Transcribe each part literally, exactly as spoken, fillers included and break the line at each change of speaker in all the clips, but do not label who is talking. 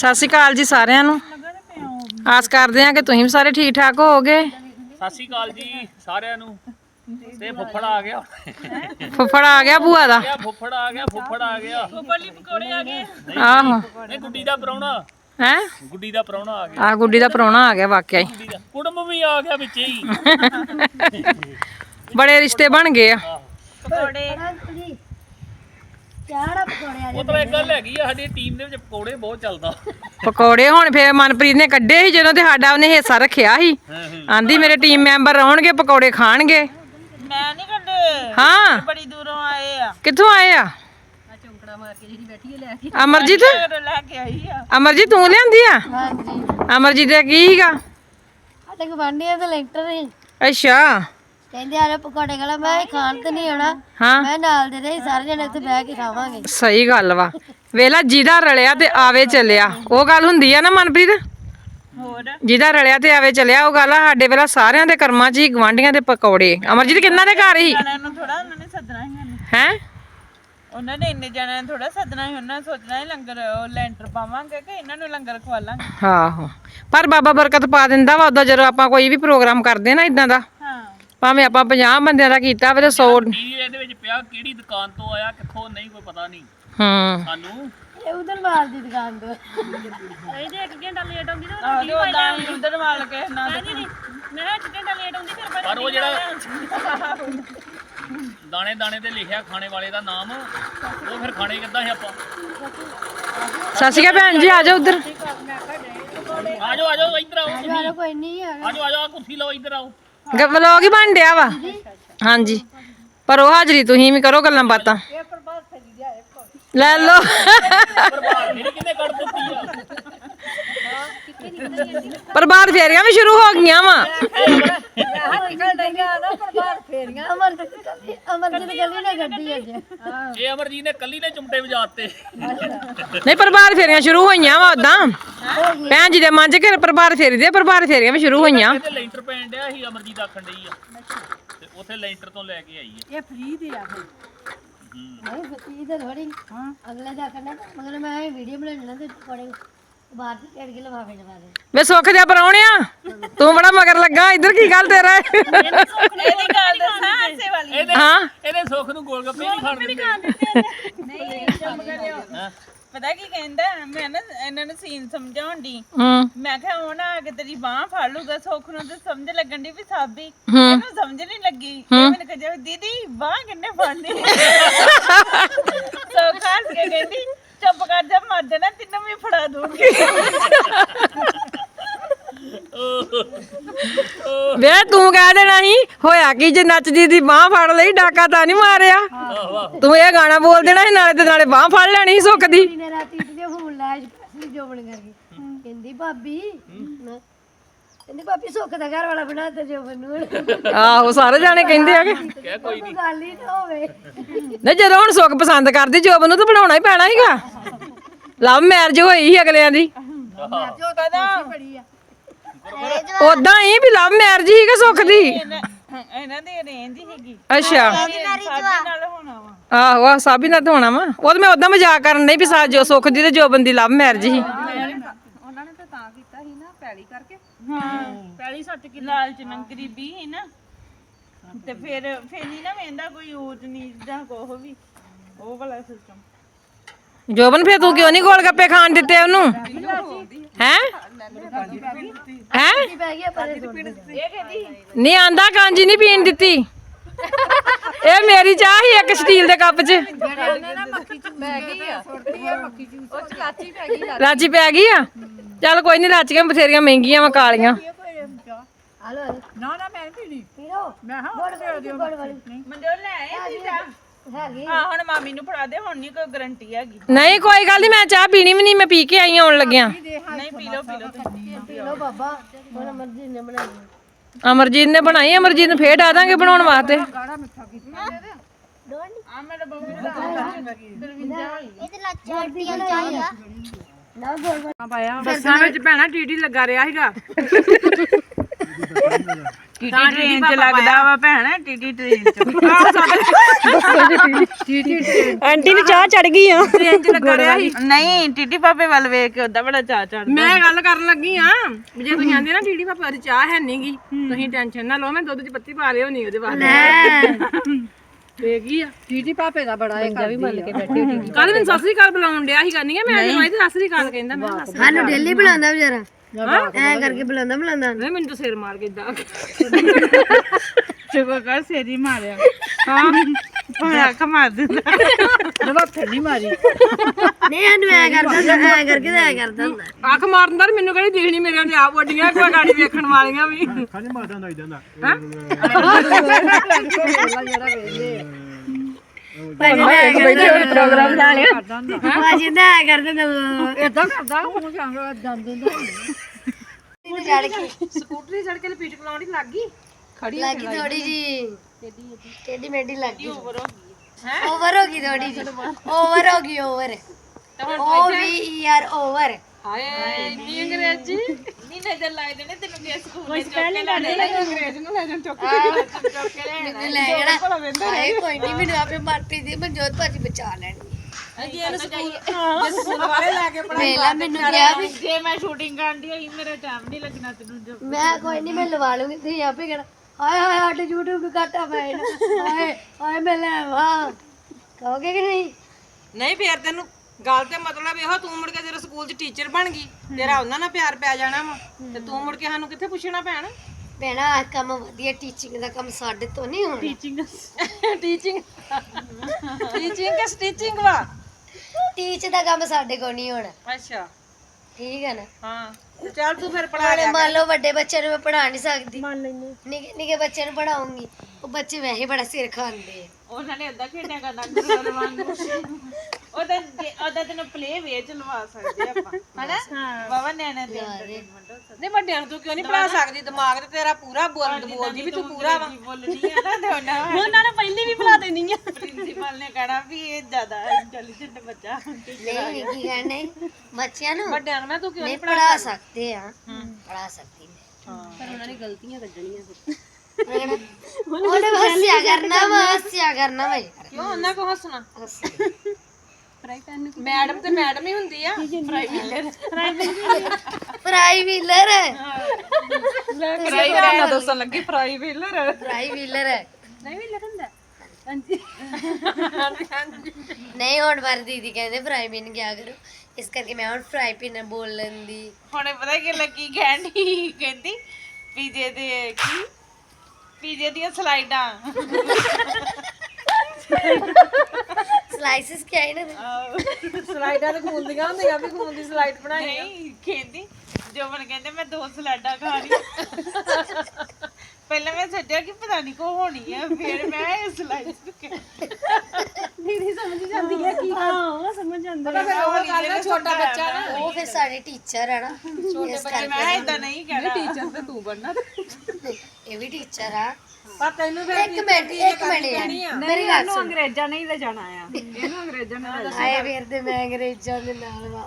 ਸਤਿ ਸ਼੍ਰੀ ਅਕਾਲ ਜੀ ਸਾਰਿਆਂ ਨੂੰ। ਆਸ ਕਰਦੇ ਹਾਂ ਕਿ ਤੁਸੀਂ ਵੀ ਸਾਰੇ ਠੀਕ ਠਾਕ ਹੋਵੋਗੇ।
ਸਤਿ ਸ਼੍ਰੀ ਅਕਾਲ ਜੀ ਸਾਰਿਆਂ ਨੂੰ। ਤੇ ਫੁੱਫੜ ਆ ਗਿਆ।
ਫੁੱਫੜ ਆ ਗਿਆ ਭੂਆ ਦਾ।
ਫੁੱਫੜ ਆ ਗਿਆ ਫੁੱਫੜ ਆ ਗਿਆ।
ਫੁੱਫੜ ਲਈ ਪਕੌੜੇ ਆ ਗਏ।
ਆਹੋ
ਇਹ ਗੁੱਡੀ ਦਾ ਪ੍ਰਾਹੁਣਾ।
ਹੈ
ਗੁੱਡੀ ਦਾ ਪ੍ਰਾਹੁਣਾ ਆ ਗਿਆ।
ਆ ਗੁੱਡੀ ਦਾ ਪ੍ਰਾਹੁਣਾ ਆ ਗਿਆ ਵਾਕਿਆ ਹੀ।
ਗੁੱਡੀ ਦਾ ਕੁੜਮ ਵੀ ਆ ਗਿਆ ਵਿੱਚ ਹੀ।
ਬੜੇ ਰਿਸ਼ਤੇ ਬਣ ਗਏ ਆ।
ਪਕੌੜੇ
ਉਹ ਤਾਂ ਇੱਕ ਗੱਲ ਹੈਗੀ ਆ, ਸਾਡੀ ਟੀਮ ਦੇ ਵਿੱਚ ਪਕੌੜੇ ਬਹੁਤ ਚੱਲਦਾ।
ਪਕੌੜੇ ਹੁਣ ਫੇਰ ਮਨਪ੍ਰੀਤ ਨੇ ਕੱਢੇ ਸੀ ਜਦੋਂ ਤੇ ਸਾਡਾ ਉਹਨੇ ਹਿੱਸਾ ਰੱਖਿਆ ਸੀ। ਆਂਦੀ ਮੇਰੇ ਟੀਮ ਮੈਂਬਰ ਆਉਣਗੇ ਪਕੌੜੇ ਖਾਣਗੇ।
ਮੈਂ ਨਹੀਂ ਕੱਢੇ।
ਹਾਂ
ਬੜੀ ਦੂਰੋਂ ਆਏ ਆ।
ਕਿੱਥੋਂ ਆਏ ਆ? ਅਮਰਜੀਤ
ਲੈ ਕੇ ਆਈ ਆ।
ਅਮਰਜੀਤ ਤੂੰ ਲਿਆਂਦੀ ਆ?
ਹਾਂਜੀ
ਅਮਰਜੀਤ ਦਾ ਕੀ ਸੀਗਾ?
ਸਾਡੇ ਗਵਾਂਢੀਆਂ ਦੇ ਲੈਂਟਰ ਸੀ,
ਅੱਛਾ
ਕਹਿੰਦੇ ਆ ਲੈ ਪਕੌੜੇ ਖਾ ਲਾ। ਮੈਂ ਕਿਹਾ ਖਾਣ ਤੇ ਨਹੀਂ ਆਉਣਾ,
ਹਾਂ
ਮੈਂ ਨਾਲ ਦੇ ਦੇ ਸਾਰੇ ਜਣੇ ਉੱਥੇ ਬਹਿ ਕੇ ਖਾਵਾਂਗੇ।
ਸਹੀ ਗੱਲ ਵਾ। ਵੇਲਾ ਜਿਹਦਾ ਰਲਿਆ ਤੇ ਆਵੇ ਚੱਲਿਆ, ਉਹ ਗੱਲ ਹੁੰਦੀ ਆ ਨਾ ਮਨਪ੍ਰੀਤ।
ਹੋਰ
ਜਿਹਦਾ ਰਲਿਆ ਤੇ ਆਵੇ ਚੱਲਿਆ, ਉਹ ਗੱਲ ਆ। ਸਾਡੇ ਵੇਲਾ ਸਾਰਿਆਂ ਦੇ ਕਰਮਾਂ 'ਚ ਹੀ ਗਵਾਂਢੀਆਂ ਦੇ ਪਕੌੜੇ। ਅਮਰਜੀਤ ਕਿੰਨਾ ਦੇ ਘਰ ਸੀ?
ਜਣਿਆਂ ਨੂੰ ਥੋੜਾ ਉਹਨਾਂ ਨੇ ਸੱਦਣਾ ਸੀ।
ਹੈ
ਉਹਨਾਂ ਨੇ ਇੰਨੇ ਜਣਿਆਂ ਨੂੰ ਥੋੜਾ ਸੱਦਣਾ ਸੀ। ਉਹਨਾਂ ਨੇ ਸੋਚਣਾ ਸੀ ਲੰਗਰ ਉਹ ਲੈਂਟਰ ਪਾਵਾਂਗੇ ਕਿ ਇਹਨਾਂ ਨੂੰ ਲੰਗਰ ਖਵਾ ਲਾਂਗੇ।
ਆਹੋ ਪਰ ਬਾਬਾ ਬਰਕਤ ਪਾ ਦਿੰਦਾ ਵਾ ਉਦਾਂ ਜਦੋਂ ਆਪਾਂ ਕੋਈ ਵੀ ਪ੍ਰੋਗਰਾਮ ਕਰਦੇ ਨਾ ਇਦਾਂ ਦਾ,
ਹਾਂ
ਭਾਵੇਂ ਆਪਾਂ ਪੰਜਾਹ ਬੰਦਿਆਂ ਦਾ ਕੀਤਾ ਹੋਵੇ ਤੇ ਸੌ।
ਕੀ ਇਹਦੇ ਵਿੱਚ ਪਿਆ, ਕਿਹੜੀ ਦੁਕਾਨ ਤੋਂ ਆਇਆ, ਕਿੱਥੋਂ, ਨਹੀਂ ਕੋਈ ਪਤਾ ਨਹੀਂ
ਹੂੰ
ਸਾਨੂੰ।
ਇਹ ਉਧਰ ਮਾਲ ਦੀ ਦੁਕਾਨ ਤੋਂ
ਇਹਦੇ ਇੱਕ ਘੰਟਾ ਲੇਟ ਆਉਂਦੀ ਤਾਂ ਰੋਟੀ ਵਾਲਾ ਉਧਰ ਵਾਲ ਕੇ ਨਾ ਨਹੀਂ ਨਹੀਂ ਮੈਂ ਇੱਕ ਘੰਟਾ ਲੇਟ ਆਉਂਦੀ ਫਿਰ
ਪਰ ਉਹ ਜਿਹੜਾ ਦਾਣੇ ਦਾਣੇ ਤੇ ਲਿਖਿਆ ਖਾਣੇ ਵਾਲੇ ਦਾ ਨਾਮ, ਉਹ ਫਿਰ ਖਾਣੇ ਕਿੱਦਾਂ ਸੀ ਆਪਾਂ?
ਸਤਿ ਸ਼੍ਰੀ ਅਕਾਲ ਭੈਣ ਜੀ, ਆ ਜਾਓ ਉਧਰ।
ਆ ਜਾਓ ਆ ਜਾਓ ਇੱਧਰ ਆਓ ਤੁਸੀਂ।
ਚਲੋ ਕੋਈ ਨਹੀਂ ਆ
ਆ ਜਾਓ ਆ ਜਾਓ, ਕੁਰਸੀ ਲਓ, ਇੱਧਰ ਆਓ।
ਵਲੋਗ ਹੀ ਬਣ ਡਿਆ ਵਾ। ਹਾਂਜੀ ਪਰ ਉਹ ਹਾਜ਼ਰੀ ਤੁਸੀਂ ਵੀ ਕਰੋ, ਗੱਲਾਂ ਬਾਤਾਂ ਲੈ ਲਓ।
ਪ੍ਰਭਾਤ ਫੇਰੀ ਕਿਹਨੇ ਕੱਢ ਦਿੱਤੀ ਆ?
ਪ੍ਰਭਾਤ ਫੇਰੀਆਂ ਵੀ ਸ਼ੁਰੂ ਹੋ ਗਈਆਂ ਵਾ।
ਅਮਰਜੀਤ ਗਲੀ ਅਮਰਜੀਤ ਗਲੀ ਨੇ ਗੱਡੀ ਅੱਜ।
ਇਹ ਅਮਰਜੀਤ ਨੇ ਕੱਲੀ ਨੇ ਚੁੰਮਟੇ ਵਜਾਤੇ।
ਨਹੀਂ ਪ੍ਰਭਾਤ ਫੇਰੀਆਂ ਸ਼ੁਰੂ ਹੋਈਆਂ ਵਾ ਉਦਾਂ। ਭੈਣ ਜੀ ਦੇ ਮਨ 'ਚ ਕਿ ਪ੍ਰਭਾਤ ਫੇਰੀ ਦੇ, ਪ੍ਰਭਾਤ ਫੇਰੀਆਂ ਵੀ ਸ਼ੁਰੂ ਹੋਈਆਂ।
ਤੇ ਲੈਂਟਰ ਪੈਣ ਡਿਆ ਸੀ, ਅਮਰਜੀਤ ਆਖਣ ਡਈ ਆ ਤੇ ਉੱਥੇ ਲੈਂਟਰ ਤੋਂ ਲੈ ਕੇ ਆਈ ਆ।
ਇਹ ਫ੍ਰੀ ਦੇ ਆ ਨਹੀਂ ਫ੍ਰੀ ਤੇ ਥੋੜੀ ਅਗਲੇ ਦਾ ਕਰਨਾ। ਮਗਰ ਮੈਂ ਵੀਡੀਓ ਬਣਾਉਣਾ ਤੇ ਪਕੌੜੇ ਬਾਹਰ ਦੇ ਢੇੜ ਕੇ ਲਵਾਵੇ ਲਵਾ ਦੇ।
ਵੇ ਸੁੱਖ ਦੇ ਪਰਾਉਣਿਆ, ਤੂੰ ਬੜਾ ਮਗਰ ਲੱਗਾ। ਇੱਧਰ ਕੀ ਗੱਲ ਤੇਰਾ?
ਇਹਦੀ ਗੱਲ ਦੱਸਾਂ ਹਾਸੇ ਵਾਲੀ।
ਇਹਦੇ
ਹਾਂ
ਇਹਦੇ ਸੁੱਖ ਨੂੰ ਗੋਲ ਗੱਪੇ ਨਹੀਂ ਖਾਣ ਦਿੰਦੇ।
ਨਹੀਂ ਚੁੱਪ ਕਰਿਓ। ਪਤਾ ਕੀ ਕਹਿੰਦਾ, ਮੈਂ ਨਾ ਇਹਨਾਂ ਨੂੰ ਸੀਨ ਸਮਝਾਉਣ ਦੀ।
ਹੂੰ
ਮੈਂ ਕਿਹਾ ਉਹ ਨਾ ਆ ਕੇ ਤੇਰੀ ਬਾਹ ਫੜ ਲੂਗਾ। ਸੁੱਖ ਨੂੰ ਤੇ ਸਮਝ ਲੱਗਣ ਦੀ ਵੀ ਸਾਬੀ, ਇਹਨੂੰ ਸਮਝ ਨਹੀਂ ਲੱਗੀ। ਇਹ ਮੈਨੂੰ ਕਹਿੰਦਾ ਦੀਦੀ ਬਾਹ ਕਿੰਨੇ ਫੜਨੀ? ਸੁੱਖ ਹੱਸ ਕੇ ਕਹਿੰਦੀ ਚੁੱਪ ਕਰ ਜਾ, ਮਰ ਜਾਣਾ, ਤੈਨੂੰ ਵੀ ਫੜਾ ਦੂੰਗੀ।
ਵੇ ਤੂੰ ਕਹਿ ਦੇਣਾ ਸੀ ਹੋਇਆ ਕੀ ਜੇ ਨੱਚਦੀ ਦੀ ਬਾਹ ਫੜ ਲਈ, ਡਾਕਾ ਤਾਂ ਨਹੀਂ ਮਾਰਿਆ। ਤੂੰ ਇਹ ਗਾਣਾ ਬੋਲ ਦੇਣਾ ਸੀ, ਨਾਲੇ ਤੇ ਨਾਲੇ ਬਾਹ ਫੜ ਲੈਣੀ ਸੀ ਸੁੱਖ ਦੀ।
ਨੇ ਰਾਤੀ ਤੇ ਫੋਨ ਲਾਇਆ ਸਪੈਸ਼ਲੀ ਜੋਬਨ ਕਰਕੇ। ਕਹਿੰਦੀ ਭਾਬੀ ਮੈਂ ਕਹਿੰਦੀ ਭਾਬੀ ਸੁੱਖ ਦਾ ਘਰ ਵਾਲਾ ਬਣਾ ਤੇ ਜੋਬਨ ਨੂੰ।
ਆਹੋ ਸਾਰੇ ਜਾਣੇ ਕਹਿੰਦੇ ਆ ਕਿ
ਕਹਿ ਕੋਈ ਨਹੀਂ।
ਗੱਲ ਹੀ ਨਾ ਹੋਵੇ।
ਨਹੀਂ ਜਦੋਂ ਹੁਣ ਸੁੱਖ ਪਸੰਦ ਕਰਦੀ ਜੋਬ ਨੂੰ ਤਾਂ ਬਣਾਉਣਾ ਹੀ ਪੈਣਾ ਸੀਗਾ। ਲਵ ਮੈਰਿਜ ਹੋਈ ਸੀ ਅਗਲਿਆਂ ਦੀ। ਉਦਾਂ ਹੀ ਵੀ ਲਵ ਮੈਰਿਜ ਹੀ ਕਿ ਸੁੱਖ ਦੀ?
ਇਹਨਾਂ ਦੀ ਰੇਂਜ ਹੈਗੀ।
ਅੱਛਾ
ਸਾਬੀ ਨਾਲ ਹੋਣਾ ਵਾ।
ਆਹੋ ਆਹ ਸਾਬੀ ਨਾਲ ਤਾਂ ਹੋਣਾ ਵਾ। ਉਹ ਤਾਂ ਮੈਂ ਉਦਾਂ ਮਜ਼ਾਕ ਕਰਨ ਨਹੀਂ ਵੀ ਸਾ ਜੋ ਸੁੱਖ ਦੀ ਤੇ ਜੋਬਨ ਦੀ ਲਵ ਮੈਰਿਜ ਸੀ।
ਉਹਨਾਂ ਨੇ ਤਾਂ ਤਾਂ ਕੀਤਾ ਸੀ ਨਾ ਪੈਲੀ ਕਰਕੇ। ਹਾਂ ਪੈਲੀ ਸੱਟ ਕੇ ਲਾਲਚ ਨਾਲ ਗਰੀਬੀ ਸੀ ਨਾ, ਤੇ ਫਿਰ ਫਿਰ ਨਹੀਂ ਨਾ ਵੇਂਦਾ ਕੋਈ ਊਚ ਨੀਚ ਜਾਂ ਕੋਹ ਵੀ, ਉਹ ਵਾਲਾ ਸਿਸਟਮ।
ਜੋਬਨ ਫੇਰ ਤੂੰ ਕਿਉਂ ਨਹੀਂ ਗੋਲ ਗੱਪੇ ਖਾਣ ਦਿੱਤੇ ਉਹਨੂੰ? ਹੈ ਹੈ
ਪੈ ਗਿਆ ਪਰੇ ਸੁੱਟ ਦੇ।
ਇਹ ਕਹਿੰਦੀ
ਨਹੀਂ ਆਂਦਾ ਕਾਂਜੀ ਨਹੀਂ ਪੀਣ ਦਿੱਤੀ। ਇਹ ਮੇਰੀ ਚਾਹ ਸੀ ਇੱਕ ਸਟੀਲ ਦੇ ਕੱਪ 'ਚ। ਲਾਚੀ ਪੈ ਗਈ ਆ। ਚੱਲ ਕੋਈ ਨਹੀਂ, ਲਾਚੀਆਂ ਬਥੇਰੀਆਂ ਮਹਿੰਗੀਆਂ ਵਾ ਕਾਲੀਆਂ।
ਹਲੋ ਨਾ ਨਾ ਮੈਂ ਪੀਣੀ ਪੀਓ। ਮੈਂ ਹਾਂ ਬੜ ਵਾਲੀ
ਮੰਜੋ ਲੈ ਆਏ ਸੀ ਚਾਹ।
ਹੈਗੀ
ਹਾਂ ਹੁਣ ਮਾਮੀ ਨੂੰ ਫੜਾ ਦੇ, ਹੁਣ ਨਹੀਂ ਕੋਈ ਗਰੰਟੀ ਹੈਗੀ।
ਨਹੀਂ ਕੋਈ ਗੱਲ ਨਹੀਂ, ਮੈਂ ਚਾਹ ਪੀਣੀ ਵੀ ਨਹੀਂ, ਮੈਂ ਪੀ ਕੇ ਆਈ ਆਉਣ ਲੱਗਿਆ।
ਨਹੀਂ ਪੀ ਲਓ ਪੀ ਲਓ ਤੁਸੀਂ।
ਪੀ ਲਓ ਬਾਬਾ, ਹੁਣ ਮਰਜ਼ੀ ਨੇ ਬਣਾਈ।
ਅਮਰਜੀਤ ਨੇ ਬਣਾਈ, ਅਮਰਜੀਤ ਨੂੰ ਫੇਰ ਡਾ ਦਾਂਗੇ ਬਣਾਉਣ ਵਾਸਤੇ।
ਆ ਮੇਰੇ ਬੰਬੀ ਨੂੰ
ਨਾ ਗੋਲ
ਬੱਸਾਂ ਵਿੱਚ ਭੈਣਾ ਟੀਟੀ ਲੱਗਾ ਰਿਹਾ ਸੀਗਾ।
ਟੀਟੀ ਟ੍ਰੇਨ ਚ ਲੱਗਦਾ ਵਾ ਭੈਣ ਟੀਟੀ ਟ੍ਰੇਨ ਚ
ਆਂਟੀ ਨੂੰ ਚਾਹ ਚੜ ਗਈ ਆ ਟ੍ਰੇਨ 'ਚ ਲੱਗਾ ਰਿਹਾ ਸੀ
ਨਹੀਂ ਟੀਟੀ ਪਾਪੇ ਵੱਲ ਵੇਖ ਕੇ ਉਦਾਂ ਬੜਾ ਚਾਅ ਚੜਦਾ
ਮੈਂ ਗੱਲ ਕਰਨ ਲੱਗੀ ਆ ਵੀ ਜੇ ਤੁਸੀਂ ਆਂਦੇ ਨਾ ਟੀਟੀ ਪਾਪਾ ਦੀ ਚਾਹ ਹੈ ਨਹੀਂਗੀ ਤੁਸੀਂ ਟੈਨਸ਼ਨ ਨਾ ਲਓ ਮੈਂ ਦੁੱਧ 'ਚ ਪੱਤੀ ਪਾ ਲਿਓ ਨਹੀਂ ਉਹਦੇ ਵਾਸਤੇ ਵੇਗੀ ਆ ਟੀਟੀ ਪਾਪੇ ਦਾ ਬੜਾ ਇੱਕ ਵੀ ਮੰਨ ਕੇ ਬੈਠੀ ਟੀਟੀ ਕੱਲ ਮੈਨੂੰ ਸਤਿ ਸ੍ਰੀ ਅਕਾਲ ਬੁਲਾਉਣ ਡਿਆ ਸੀ ਕਰਨੀ ਆ ਮੈਂ ਅੱਜ ਤੇ ਸਤਿ ਸ੍ਰੀ ਅਕਾਲ ਕਹਿੰਦਾ ਮੈਂ ਸਤਿ ਸ੍ਰੀ
ਸਾਨੂੰ ਡੇਲੀ ਬੁਲਾਉਂਦਾ ਵਿਚਾਰਾ ਐ ਕਰਕੇ ਬੁਲਾਉਂਦਾ ਬੁਲਾਉਂਦਾ
ਅਕਾਲ ਨਹੀਂ ਮੈਨੂੰ ਤਾਂ ਸਿਰ ਮਾਰ ਕੇ ਇਦਾਂ
ਚੁੱਪ ਕਰ ਸੇਰੀ ਮਾਰਿਆ ਹਾਂ ਭਾਵੇਂ ਅੱਖ ਮਾਰ ਦਿੰਦਾ
ਨਹੀਂ ਮਾਰੀ
ਨਹੀਂ ਸਾਨੂੰ ਐ ਕਰਦਾ ਹੁੰਦਾ ਐ ਕਰਕੇ ਤੇ ਐ ਕਰਦਾ ਹੁੰਦਾ
ਅੱਖ ਮਾਰਦਾ ਤੇ ਮੈਨੂੰ ਕਿਹੜੀ ਦਿਖਣੀ ਮੇਰੇ ਤੇ ਆਪ ਵੱਡੀਆਂ ਕੋਈ ਗਾੜੀ ਵੇਖਣ ਵਾਲੀਆਂ ਵੀ
ਖਾਣੇ ਮਾਰਦਾ ਹੁੰਦਾ ਇਦਾਂ ਦਾ
ਪ੍ਰੋਗਰਾਮ ਲਾ ਲਿਆ ਭਾਜੀ ਦਾ ਐ ਕਰਦਾ ਹੁੰਦਾ
ਇਦਾਂ ਕਰਦਾ ਹੁਣ ਜਾਂਗਾ ਦੰਦ ਹੁੰਦਾ
ਚੜ ਕੇ
ਸਕੂਟਰੀ ਚੜ ਕੇ ਲਪੀਟ ਕਲਾਉਣੀ ਲੱਗ ਗਈ ਖੜੀ
ਲੱਗੀ ਥੋੜੀ ਜੀ ਟੇਡੀ ਮੇਡੀ ਲੱਗੀ ਓਵਰ ਹੋ ਗਈ ਓਵਰ ਹੋ ਗਈ ਥੋੜੀ ਜੀ ਓਵਰ ਹੋ ਗਈ over O V E R over
ਹਾਏ ਇੰਨੀ ਅੰਗਰੇਜ਼ੀ
ਨਹੀਂ ਨਜ਼ਰ ਲੱਗ ਦੇਣੇ ਤੈਨੂੰ ਕਿ ਸਕੂਲ
ਕੋਈ ਸਪੈਲਿੰਗ ਕਰ ਦੇ ਅੰਗਰੇਜ਼ ਨੂੰ ਲੈ ਜਾਣ ਚੁੱਕ
ਮੈਨੂੰ ਲੈ ਜਾਣਾ ਹਾਏ ਕੋਈ ਨਹੀਂ ਮੈਨੂੰ ਆਪੇ ਮਾਰਤੀ ਦੀ ਮਨਜੋਤ ਭਾਜੀ ਬਚਾ ਲੈਣਗੇ
ਜੀ ਇਹਨੂੰ ਸਕੂਲ ਜੇ ਸਕੂਲ ਵਾਲੇ ਲੈ ਕੇ
ਮੇਲਾ ਮੈਨੂੰ ਕਿਹਾ ਵੀ
ਜੇ ਮੈਂ ਸ਼ੂਟਿੰਗ ਕਰਦੀ ਹੋਈ ਮੇਰਾ ਟਾਈਮ ਨਹੀਂ ਲੱਗਣਾ ਤੈਨੂੰ ਜੋ
ਮੈਂ ਕੋਈ ਨਹੀਂ ਮੈਂ ਲਵਾ ਲੂੰਗੀ ਤੁਸੀਂ ਆਪੇ ਕਹਿਣਾ ਹਾਏ ਹਾਏ ਸਾਡੇ YouTube ਨੂੰ ਘਾਟਾ ਪੈ ਜਾਣਾ ਹਾਏ ਹਾਏ ਮੈਂ ਲੈ ਵਾ ਕਹੋਗੇ ਕਿ ਨਹੀਂ
ਨਹੀਂ ਫੇਰ ਤੈਨੂੰ ਗੱਲ ਤੇ ਮਤਲਬ ਇਹੋ ਤੂੰ ਮੁੜ ਕੇ ਜਦੋਂ ਸਕੂਲ 'ਚ ਟੀਚਰ ਬਣ ਗਈ ਤੇਰਾ ਉਹਨਾਂ ਨਾਲ ਪਿਆਰ ਪੈ ਜਾਣਾ ਵਾ ਤੇ ਤੂੰ ਮੁੜ ਕੇ ਸਾਨੂੰ ਕਿੱਥੇ ਪੁੱਛਣਾ ਭੈਣ
ਭੈਣਾ ਆਹ ਕੰਮ ਵਧੀਆ ਟੀਚਿੰਗ ਦਾ ਕੰਮ ਸਾਡੇ ਤੋਂ ਨਹੀਂ ਹੋਣਾ
ਟੀਚਿੰਗ
ਟੀਚਿੰਗ ਟੀਚਿੰਗ ਕਿ ਸਟੀਚਿੰਗ ਵਾ
ਟੀਚ ਦਾ ਕੰਮ ਸਾਡੇ ਕੋਲ ਨਹੀਂ ਹੋਣਾ
ਅੱਛਾ
ਠੀਕ ਹੈ ਨਾ
ਹਾਂ ਤੇ ਚੱਲ ਤੂੰ ਫਿਰ ਪੜਾ
ਨਾਲੇ ਮੰਨ ਲਓ ਵੱਡੇ ਬੱਚਿਆਂ ਨੂੰ ਮੈਂ ਪੜਾ ਨਹੀਂ ਸਕਦੀ ਮੰਨ ਲੈਂਦੇ ਨਿੱਕੇ ਨਿੱਕੇ ਬੱਚਿਆਂ ਨੂੰ ਪੜਾਉਂਗੀ ਉਹ ਬੱਚੇ ਵੈਸੇ ਬੜਾ ਸਿਰ ਖਾਂਦੇ ਆ
ਉਹਨਾਂ ਨੇ ਅੱਧਾ ਖੇਡਿਆ ਕਰਨਾ ਗੁਰੂ ਵਾਂਗੂ ਉਹਦਾ ਉਹਦਾ ਤੈਨੂੰ ਪਲੇ ਵੇਚ ਲਵਾ ਸਕਦੇ ਆਪਾਂ ਹਨਾ ਬਾਬਾ ਨਿਆਣੇ ਦੇ entertainment ਹੋ ਸਕਦਾ
ਨਹੀਂ ਵੱਡਿਆਂ ਨੂੰ ਤੂੰ ਕਿਉਂ ਨਹੀਂ ਪੜਾ ਸਕਦੀ ਦਿਮਾਗ ਤੇ ਤੇਰਾ ਪੂਰਾ ਬੋਲ ਬੋਲਦੀ ਵੀ ਤੂੰ ਪੂਰਾ ਵਾ
ਬੋਲਣੀ ਆ ਨਾ ਤੇ ਉਹਨਾਂ
ਉਹਨਾਂ ਨੇ ਪਹਿਲੀ ਵੀ ਪੜਾ ਦੇਣੀ ਆ
ਪ੍ਰਿੰਸੀਪਲ ਨੇ ਕਹਿਣਾ ਵੀ ਇਹ ਜ਼ਿਆਦਾ ਇੰਟੈਲੀਜੈਂਟ ਬੱਚਾ
ਨਹੀਂ ਨਹੀਂ ਕੀ ਕਰਨੇ ਬੱਚਿਆਂ ਨੂੰ
ਵੱਡਿਆਂ ਨੂੰ ਮੈਂ ਤੂੰ ਕਿਉਂ
ਨਹੀਂ ਪੜਾ ਸਕਦੇ ਆ ਪੜਾ ਸਕਦੀ ਮੈਂ
ਪਰ ਉਹਨਾਂ ਨੇ ਗਲਤੀਆਂ ਕੱਢਣੀਆਂ ਫਿਰ
ਉਹਨੇ ਹੱਸਿਆ ਕਰਨਾ ਵਾ ਹੱਸਿਆ ਕਰਨਾ ਵਾ
ਕਿਉਂ ਉਹਨਾਂ ਕੋ ਹੱਸਣਾ
ਹੱਸਿਆ
ਮੈਡਮ ਤੇ ਮੈਡਮ ਹੀ ਹੁੰਦੀ ਆ
ਫਰਾਈ ਵੀਲਰ
ਫਰਾਈ ਕਰਨਾ ਦੱਸਣ ਲੱਗੀ ਫਰਾਈ ਵੀਲਰ
ਫਰਾਈ ਵੀਲਰ
ਨਹੀਂ ਵੀਲਰ ਹੁੰਦਾ
ਨਹੀਂ ਹੁਣ ਵਾਰ ਦੀਦੀ ਕਹਿੰਦੇ ਫਰਾਈ ਪਿਨ ਕਿਆ ਕਰੋ ਇਸ ਕਰਕੇ ਮੈਂ ਹੁਣ ਫਰਾਈ ਪਿਨ ਬੋਲ ਲੈਂਦੀ
ਹੁਣੇ ਪਤਾ ਕੀ ਲੱਗੀ ਕਹਿੰਦੀ ਕਹਿੰਦੀ ਪੀਜੇ ਦੇ ਕੀ ਪੀਜੇ ਦੀਆਂ ਸਲਾਈਡਾਂ
ਸਲਾਈਸਿਸ ਕਿਆ ਹੈ ਨਾ
ਸਲਾਈਡਾਂ ਤੇ ਖੂਨ ਦੀਆਂ ਹੁੰਦੀਆਂ ਵੀ ਖੂਨ ਦੀ ਸਲਾਈਡ ਬਣਾਈ
ਨਹੀਂ ਕਹਿੰਦੀ ਜੋ ਮਨ ਕਹਿੰਦੇ ਮੈਂ ਦੋ ਸਲਾਈਡਾਂ ਖਾ ਲਈ ਪਹਿਲਾਂ ਮੈਂ ਸੋਚਿਆ ਕਿ ਪਤਾ ਨਹੀਂ ਕੋ ਹੋਣੀ ਆ ਫਿਰ ਮੈਂ ਇਹ ਸਲਾਈਡ
ਦੀਦੀ ਸਮਝ ਜਾਂਦੀ ਹੈ ਕੀ
ਹਾਂ ਸਮਝ ਜਾਂਦਾ
ਪਤਾ ਫਿਰ ਉਹ ਗੱਲ ਨਾ ਛੋਟਾ ਬੱਚਾ ਨਾ
ਉਹ ਫਿਰ ਸਾਡੇ ਟੀਚਰ ਹੈ ਨਾ
ਛੋਟੇ ਬੱਚੇ
ਮੈਂ ਇਦਾਂ ਨਹੀਂ ਕਹਿਣਾ
ਟੀਚਰ ਤੇ ਤੂੰ ਬਣਨਾ
ਇਹ ਵੀ ਟੀਚਰ ਆ
ਪਰ ਤੈਨੂੰ ਫਿਰ
ਇੱਕ ਮਿੰਟ ਇੱਕ ਮਿੰਟ ਯਾਰ ਮੇਰੀ ਗੱਲ ਸੁਣ
ਅੰਗਰੇਜ਼ਾਂ ਨਹੀਂ ਲੈ ਜਾਣਾ ਆ ਇਹਨੂੰ ਅੰਗਰੇਜ਼ਾਂ ਨੇ ਲੈ
ਆਏ ਵੀਰ ਤੇ ਮੈਂ ਅੰਗਰੇਜ਼ਾਂ ਦੇ ਨਾਲ ਵਾ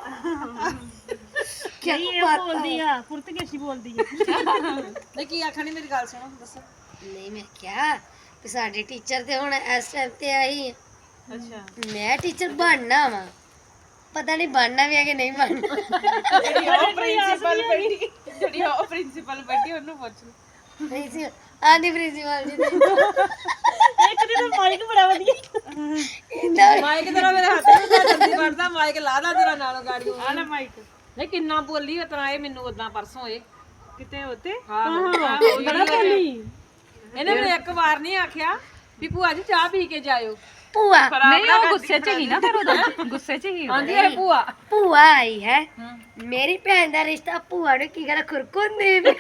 ਕੀ
ਬੋਲਦੀ ਆ ਪੁਰਤਗਾਲੀ ਬੋਲਦੀ ਆ
ਨਹੀਂ ਕੀ ਆਖਣੀ ਮੇਰੀ ਗੱਲ ਸੁਣੋ ਦੱਸੋ
ਨਹੀਂ ਮੈਂ ਕਿਹਾ ਕਿ ਸਾਡੇ ਟੀਚਰ ਤੇ ਹੁਣ ਇਸ ਟਾਈਮ ਤੇ ਆਈ
ਅੱਛਾ
ਮੈਂ ਟੀਚਰ ਬਣਨਾ ਵਾ ਪਤਾ ਨਹੀਂ ਬਣਨਾ ਵੀ ਹੈ ਕਿ ਨਹੀਂ ਬਣਨਾ
ਜਿਹੜੀ ਉਹ ਪ੍ਰਿੰਸੀਪਲ ਬੈਠੀ ਜਿਹੜੀ ਉਹ ਪ੍ਰਿੰਸੀਪਲ ਬੈਠੀ ਉਹਨੂੰ ਪੁੱਛ ਲਓ
ਨਹੀਂ ਸੀ ਆਂਦੀ ਪ੍ਰਿੰਸੀਪਲ ਜੀ
ਇੱਕ ਦਿਨ ਮਾਈਕ ਬੜਾ ਵਧੀਆ
ਇੰਨਾ
ਮਾਈਕ ਤੇਰਾ ਮੇਰੇ ਹੱਥ ਵਿੱਚ ਤਾਂ ਜਲਦੀ ਵੜਦਾ ਮਾਈਕ ਲਾ ਦਾ ਤੇਰਾ ਨਾਲੋਂ ਗਾੜੀ
ਆ ਲੈ ਮਾਈਕ
ਨਹੀਂ ਕਿੰਨਾ ਬੋਲੀ ਉਤਰਾ ਇਹ ਮੈਨੂੰ ਉਦਾਂ ਪਰਸੋਂ ਇਹ
ਕਿਤੇ ਉੱਤੇ
ਹਾਂ ਬੜਾ ਬੋਲੀ ਇਹਨੇ ਮੈਨੂੰ ਇੱਕ ਵਾਰ ਨਹੀਂ ਆਖਿਆ ਵੀ ਭੂਆ ਜੀ ਚਾਹ ਪੀ ਕੇ ਜਾਇਓ
ਭੂਆ
ਨਹੀਂ ਉਹ ਗੁੱਸੇ 'ਚ ਹੀ ਨਾ ਫਿਰ ਉਹਦਾ ਗੁੱਸੇ 'ਚ ਹੀ ਆਂਦੀ ਹੈ ਭੂਆ
ਭੂਆ ਆਈ ਹੈ ਮੇਰੀ ਭੈਣ ਦਾ ਰਿਸ਼ਤਾ ਭੂਆ ਨੂੰ ਕੀ ਕਰਾ ਖੁਰਕੁੰਦੀ ਵੀ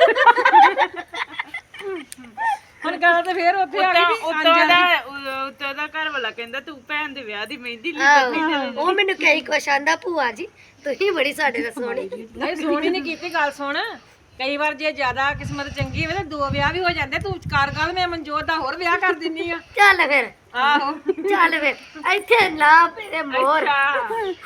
ਹੁਣ ਗੱਲ ਤੇ ਫੇਰ ਉੱਥੇ ਆ ਗਈ ਵੀ
ਉੱਤੋਂ ਦਾ ਉੱਤੋਂ ਦਾ ਘਰ ਵਾਲਾ ਕਹਿੰਦਾ ਤੂੰ ਭੈਣ ਦੇ ਵਿਆਹ ਦੀ ਮਹਿੰਦੀ
ਆਹੋ, ਉਹ ਮੈਨੂੰ ਕਈ ਕੁਛ ਆਂਦਾ ਭੂਆ ਜੀ ਤੁਸੀਂ ਬੜੀ ਸਾਡੇ ਨਾਲ ਸੋਹਣੀ
ਨਹੀਂ ਸੋਹਣੀ ਨਹੀਂ ਕੀਤੀ ਗੱਲ ਸੁਣ ਕਈ ਵਾਰ ਜੇ ਜ਼ਿਆਦਾ ਕਿਸਮਤ ਚੰਗੀ ਹੋਵੇ ਤਾਂ ਦੋ ਵਿਆਹ ਵੀ ਹੋ ਜਾਂਦੇ ਤੂੰ ਕਾਰ ਗੱਲ ਮੈਂ ਮਨਜੋਤ ਦਾ ਹੋਰ ਵਿਆਹ ਕਰ ਦਿੰਨੀ ਆ
ਚੱਲ ਫਿਰ
ਆਹੋ
ਚੱਲ ਫਿਰ ਇੱਥੇ ਨਾ ਮੇਰੇ ਮੋਰ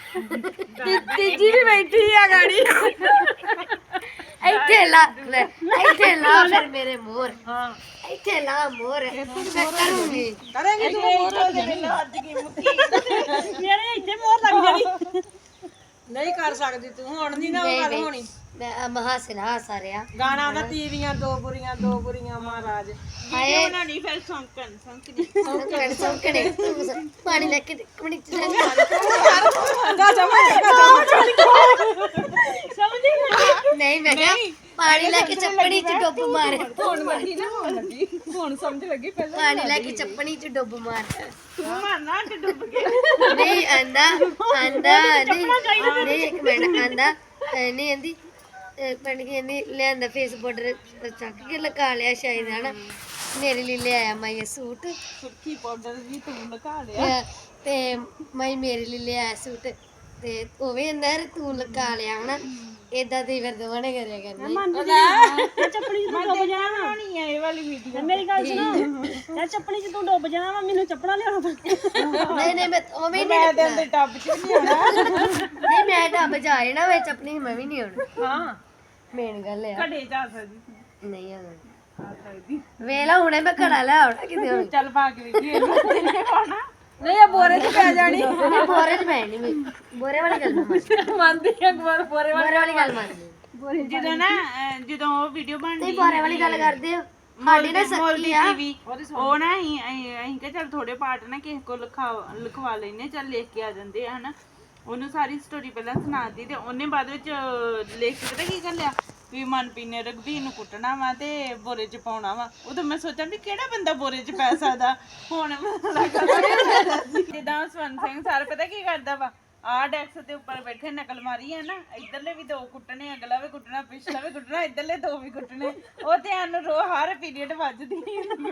ਤੀਜੀ ਵੀ ਬੈਠੀ ਆ ਗਾੜੀ
ਇੱਥੇ ਲਾ ਲੈ ਇੱਥੇ ਲਾ ਫਿਰ ਮੇਰੇ ਮੋਰ ਹਾਂ ਇੱਥੇ ਲਾ ਮੋਰ ਮੈਂ ਕਰੂੰਗੀ
ਕਰੇਂਗੀ ਤੂੰ
ਮੋਰ ਦੇ ਮੈਨੂੰ ਅੱਜ ਕੀ ਮੁੱਕੀ ਮੇਰੇ ਇੱਥੇ ਮੋਰ ਲੱਗ ਜਾਣੀ
ਨਹੀਂ ਕਰ ਸਕਦੀ ਤੂੰ ਹੁਣ ਨਹੀਂ ਨਾ ਉਹ ਗੱਲ ਹੋਣੀ
ਮੈਂ ਮਹਾਸੇ ਨਾ ਹਸਾ ਰਿਆ
ਗਾਣਾ ਉਹਦਾ ਤੀਵੀਆਂ ਦੋ ਬੁਰੀਆਂ ਦੋ ਬੁਰੀਆਂ ਮਹਾਰਾਜ
ਹਾਏ ਬਣਾਣੀ ਫਿਰ ਸੌਂਕਣ ਸੌਂਕਣੀ
ਸੌਂਕਣੇ ਸੌਂਕਣੇ ਪਾਣੀ ਲੈ ਕੇ ਕਮਣੀ ਚ
ਜਾ ਜਾ
ਸਮਝੀ
ਨਹੀਂ ਮੈਂ ਕਿਹਾ ਪਾਣੀ ਲੈ ਕੇ ਚੱਪਣੀ ਚ ਡੁੱਬ ਮਾਰ
ਹੁਣ ਲੱਗੀ ਨਾ ਹੁਣ ਲੱਗੀ ਹੁਣ ਸਮਝ ਲੱਗੀ ਪਹਿਲਾਂ
ਪਾਣੀ ਲੈ ਕੇ ਚੱਪਣੀ ਚ ਡੁੱਬ ਮਾਰ
ਤੂੰ ਮਾਰਨਾ ਤੇ ਡੁੱਬ ਕੇ
ਨਹੀਂ ਆਂਦਾ ਆਂਦਾ ਨਹੀਂ ਨਹੀਂ ਇੱਕ ਮਿੰਟ ਆਂਦਾ ਨਹੀਂ ਆਂਦੀ ਪਿੰਡ ਕੇ ਨਹੀਂ ਲਿਆਂਦਾ ਫੇਸ ਪਾਊਡਰ ਚੱਕ ਕੇ ਲਗਾ ਲਿਆ ਸ਼ਾਇਦ ਹਨਾ ਮੇਰੇ ਲਈ ਲਿਆਇਆ ਮੈਂ ਇਹ ਸੂਟ
ਸੁੱਕੀ ਪਾਊਡਰ ਵੀ ਤੂੰ ਲਗਾ ਲਿਆ
ਤੇ ਮੈਂ ਮੇਰੇ ਲਈ ਲਿਆਇਆ ਸੂਟ ਤੇ ਉਹ ਵੀ ਅੰਦਰ ਤੂੰ ਲਗਾ ਲਿਆ ਹਨਾ ਏਦਾਂ ਦੀ ਫਿਰ ਦੋਵਾਂ ਕਰਿਆ ਕਰਨੀ
ਮੈਂ ਚੱਪੜੀ ਚ ਡੁੱਬ ਜਾਣਾ ਨਹੀਂ ਇਹ ਵਾਲੀ ਵੀਡੀਓ ਮੇਰੀ ਗੱਲ ਸੁਣੋ ਮੈਂ ਚੱਪੜੀ ਚ ਤੂੰ ਡੁੱਬ ਜਾਣਾ ਮੈਨੂੰ ਚੱਪੜਾ ਲਿਆਉਣਾ
ਨਹੀਂ ਨਹੀਂ ਮੈਂ ਉਹ ਵੀ
ਮੈਂ
ਨਹੀਂ
ਤੇ ਟੱਬ ਚ ਨਹੀਂ ਆਉਣਾ
ਨਹੀਂ ਮੈਂ ਡੱਬ ਜਾ ਰਹੀ ਨਾ ਵਿੱਚ ਆਪਣੀ ਮੈਂ ਵੀ ਨਹੀਂ ਆਉਣਾ
ਹਾਂ
ਮੇਨ ਗੱਲ ਆ
ਘੜੇ ਜਾ ਸਕਦੀ
ਨਹੀਂ ਆਉਣਾ
ਆ ਸਕਦੀ
ਵੇਲਾ ਹੁਣੇ ਮੈਂ ਘੜਾ ਲੈ ਆਉਣਾ ਕਿਤੇ ਹੁਣ
ਚੱਲ ਪਾ ਕੇ ਵੇਖੀ ਇਹਨੂੰ ਨਹੀਂ ਪਾਉਣਾ
ਨਹੀਂ ਇਹ ਬੋਰੇ 'ਚ ਪੈ ਜਾਣੀ
ਨਹੀਂ ਬੋਰੇ ਚ ਪੈ ਨਹੀਂ ਬੋਰੇ ਵਾਲੀ ਗੱਲ ਮੈਂ ਮੰਨਦੀ
ਮੰਨਦੀ ਆ ਬੋਰੇ ਬੋਰੇ
ਬੋਰੇ ਵਾਲੀ ਗੱਲ ਮੰਨਦੀ
ਜਦੋਂ ਨਾ ਅਹ, ਜਦੋਂ ਉਹ ਵੀਡੀਓ ਬਣਦੀ
ਨਹੀਂ ਬੋਰੇ ਵਾਲੀ ਗੱਲ ਕਰਦੇ ਹੋ ਸਾਡੀ ਨਾ ਸੱਚੀ ਆ
ਟੀਵੀ ਉਹ ਨਾ ਅਸੀਂ ਅਸੀਂ ਅਸੀਂ ਕਿ ਚੱਲ ਥੋੜੇ ਪਾਰਟ ਨਾ ਕਿਸੇ ਕੋ ਲਿਖਾ ਲਿਖਵਾ ਲੈਨੇ ਚੱਲ ਲਿਖ ਕੇ ਆ ਜਾਂਦੇ ਆ ਹਨਾ ਉਹਨੂੰ ਸਾਰੀ ਸਟੋਰੀ ਪਹਿਲਾਂ ਸੁਣਾਤੀ ਤੇ ਉਹਨੇ ਬਾਅਦ ਵਿੱਚ ਲਿਖ ਕੇ ਪਤਾ ਕੀ ਕਰ ਲਿਆ ਵੀ ਮਨਪ੍ਰੀਤ ਨੇ ਰਘਬੀਰ ਨੂੰ ਕੁੱਟਣਾ ਵਾ ਤੇ ਬੋਰੇ 'ਚ ਪਾਉਣਾ ਵਾ ਉਦੋਂ ਮੈਂ ਸੋਚਾਂ ਵੀ ਕਿਹੜਾ ਬੰਦਾ ਬੋਰੇ 'ਚ ਪੈ ਸਕਦਾ ਹੁਣ ਜਿੱਦਾਂ ਸਵਰਨ ਸਿੰਘ ਸਰ ਪਤਾ ਕੀ ਕਰਦਾ ਵਾ ਆਹ ਡੈਕਸ ਦੇ ਉੱਪਰ ਬੈਠੇ ਨਕਲ ਮਾਰੀ ਹੈ ਨਾ ਇਧਰਲੇ ਵੀ ਦੋ ਕੁੱਟਣੇ ਅਗਲਾ ਵੀ ਕੁੱਟਣਾ ਪਿਛਲਾ ਵੀ ਕੁੱਟਣਾ ਇਧਰਲੇ ਦੋ ਵੀ ਕੁੱਟਣੇ ਉਹ ਧਿਆਨ ਨੂੰ ਰੋ ਹਰ ਪੀਰੀਅਡ ਵੱਜਦੀ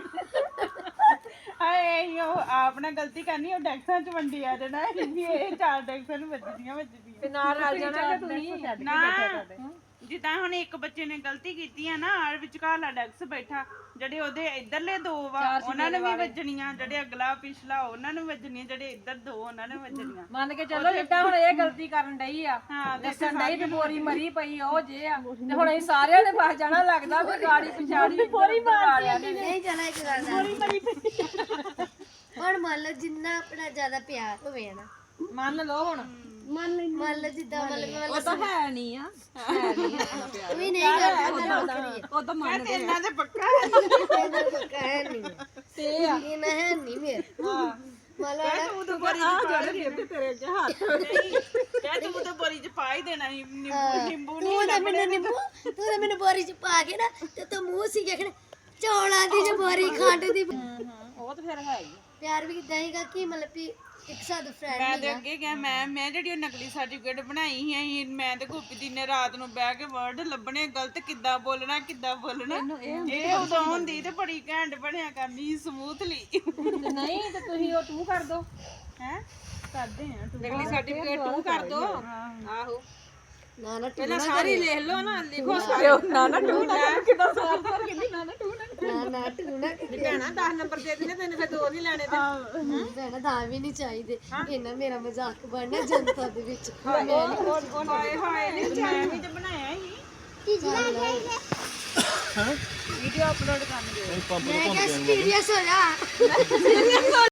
ਹਾਏ ਉਹ ਆਪ ਨਾ ਗਲਤੀ ਕਰਨੀ ਉਹ ਡੈਕਸਾਂ 'ਚ ਵੰਡੀ ਆ ਜਾਣਾ ਵੀ ਇਹ ਚਾਰ ਡੈਕਸਾਂ ਨੂੰ ਵੱਜਦੀਆਂ ਵੱਜਦੀਆਂ
ਤੇ ਨਾਲ ਰਲ ਜਾਣਾ ਕਿ ਤੁਸੀਂ
ਨਾ ਜਿੱਦਾਂ ਹੁਣ ਇੱਕ ਬੱਚੇ ਨੇ ਗਲਤੀ ਕੀਤੀ ਆ ਨਾ ਆਰ ਵਿਚਕਾਰਲਾ ਡੈਕਸ ਬੈਠਾ ਜਿਹੜੇ ਉਹਦੇ ਇਧਰਲੇ ਦੋ ਵਾ ਉਹਨਾਂ ਨੂੰ ਵੀ ਵੱਜਣੀਆਂ ਜਿਹੜੇ ਅਗਲਾ ਪਿਛਲਾ ਉਹਨਾਂ ਨੂੰ ਵੱਜਣੀਆਂ ਜਿਹੜੇ ਇੱਧਰ ਦੋ ਉਹਨਾਂ ਨੂੰ ਵੱਜਣੀਆਂ
ਮੰਨ ਕੇ ਚੱਲੋ ਜਿੱਦਾਂ ਹੁਣ ਇਹ ਗਲਤੀ ਕਰਨ ਡਈ ਆ
ਹਾਂ
ਦੱਸਣ ਡਈ ਤੇ ਬੋਰੀ ਮਰੀ ਪਈ ਉਹ ਜੇ ਆ ਤੇ ਹੁਣ ਅਸੀਂ ਸਾਰਿਆਂ ਨੇ ਫਸ ਜਾਣਾ ਲੱਗਦਾ ਵੀ ਗਾੜੀ ਪਿਛਾੜੀ ਬੋਰੀ ਮਾਰਿਆ ਨੇ
ਨਹੀਂ ਜਾਣਾ ਇੱਕ ਗੱਲ ਦਾ ਹੁਣ ਮੰਨ ਲਓ ਜਿੰਨਾ ਆਪਣਾ ਜ਼ਿਆਦਾ ਪਿਆਰ ਹੋਵੇ ਨਾ
ਮੰਨ ਲਓ ਹੁਣ
ਮੰਨ ਲਓ ਜਿੱਦਾਂ ਮਤਲਬ
ਉਹ ਤਾਂ ਹੈ ਨਹੀਂ ਆ
ਵੀ ਨਹੀਂ ਕਰਦਾ
ਉਹ ਤਾਂ ਮੰਨਦੇ ਆ
ਇਹਨਾਂ ਦੇ ਪੱਕਾ
ਹੈ ਨਹੀਂ
ਤੇ ਆ
ਇਹ ਨਾ ਹੈ ਨਹੀਂ ਮੇਰੇ ਮੰਨ ਲਓ
ਤੂੰ ਬੜੀ ਜਿਹੜੇ ਤੇਰੇ ਅੱਗੇ ਹੱਥ
ਕਹਿ ਤੂੰ ਤਾਂ ਬੋਰੀ 'ਚ ਪਾ ਹੀ ਦੇਣਾ ਸੀ, ਨਿੰਬੂ ਨਿੰਬੂ ਨਹੀਂ
ਤੂੰ ਤਾਂ ਮੈਨੂੰ ਨਿੰਬੂ ਤੂੰ ਤਾਂ ਮੈਨੂੰ ਬੋਰੀ ਚ ਪਾ ਕੇ ਨਾ ਤੇ ਤੂੰ ਮੂੰਹ ਸੀ ਦੇਖਣ ਚੌਲਾਂ ਦੀ ਜੋ ਬੋਰੀ ਖੰਡ ਦੀ
ਉਹ ਤਾਂ ਫਿਰ ਹੈ ਹੀ
ਪਿਆਰ ਵੀ ਕਿਦਾਂ ਹੈਗਾ ਕਿ ਮਤਲਬ ਵੀ ਇੱਕ ਸਾਡਾ ਫਰੈਂਡ
ਮੈਂ ਤੇ ਅੱਗੇ ਗਿਆ ਮੈਂ ਮੈਂ ਜਿਹੜੀ ਉਹ ਨਕਲੀ ਸਰਟੀਫਿਕੇਟ ਬਣਾਈ ਸੀ ਅਸੀਂ ਮੈਂ ਤੇ ਗੋਪੀ ਦੀ ਨੇ ਰਾਤ ਨੂੰ ਬਹਿ ਕੇ ਵਰਡ ਲੱਭਣੇ ਗਲਤ ਕਿੱਦਾਂ ਬੋਲਣਾ ਕਿੱਦਾਂ ਬੋਲਣਾ ਇਹ ਉਦੋਂ ਹੁੰਦੀ ਤੇ ਬੜੀ ਘੈਂਟ ਬਣਿਆ ਕਰਨੀ ਸਮੂਥਲੀ
ਨਹੀਂ ਤੇ ਤੁਸੀਂ ਉਹ ਤੂੰ ਕਰ ਦੋ
ਹੈ ਕਰਦੇ ਆ
ਅਗਲੀ ਸਰਟੀਫਿਕੇਟ ਤੂੰ ਕਰ ਦੋ ਆਹੋ
ਨਾ ਨਾ
ਪਹਿਲਾਂ ਸਾਰੀ ਲਿਖ ਲਓ ਨਾ ਲਿਖੋ ਸਾਰੇ ਨਾ ਨਾ ਟੂ ਨਾ ਕਿਦਾਂ ਸਾਰ ਸਾਰ ਕਿੰਨੀ ਨਾ ਨਾ ਟੂ ਨਾ
ਨਾ ਨਾ ਤੂੰ ਨਾ
ਜੇ ਭੈਣਾ ਦਸ ਨੰਬਰ ਦੇ ਦਿੰਦੇ ਤੈਨੂੰ ਫਿਰ ਦੋ ਨਹੀਂ ਲੈਣੇ ਤੇ
ਭੈਣਾ ਦਾ ਵੀ ਨਹੀਂ ਚਾਹੀਦੇ ਇਹਨਾਂ ਮੇਰਾ ਮਜ਼ਾਕ ਬਣਨਾ ਜਨਤਾ ਦੇ ਵਿੱਚ
ਹਾਏ ਹਾਏ ਨਹੀਂ
ਮੈਂ ਵੀ ਤੇ ਬਣਾਇਆ ਸੀ ਵੀਡੀਓ ਅਪਲੋਡ ਕਰਨ ਦੇ
ਮੈਂ ਕਿਹਾ ਸੀਰੀਅਸ ਹੋ ਜਾ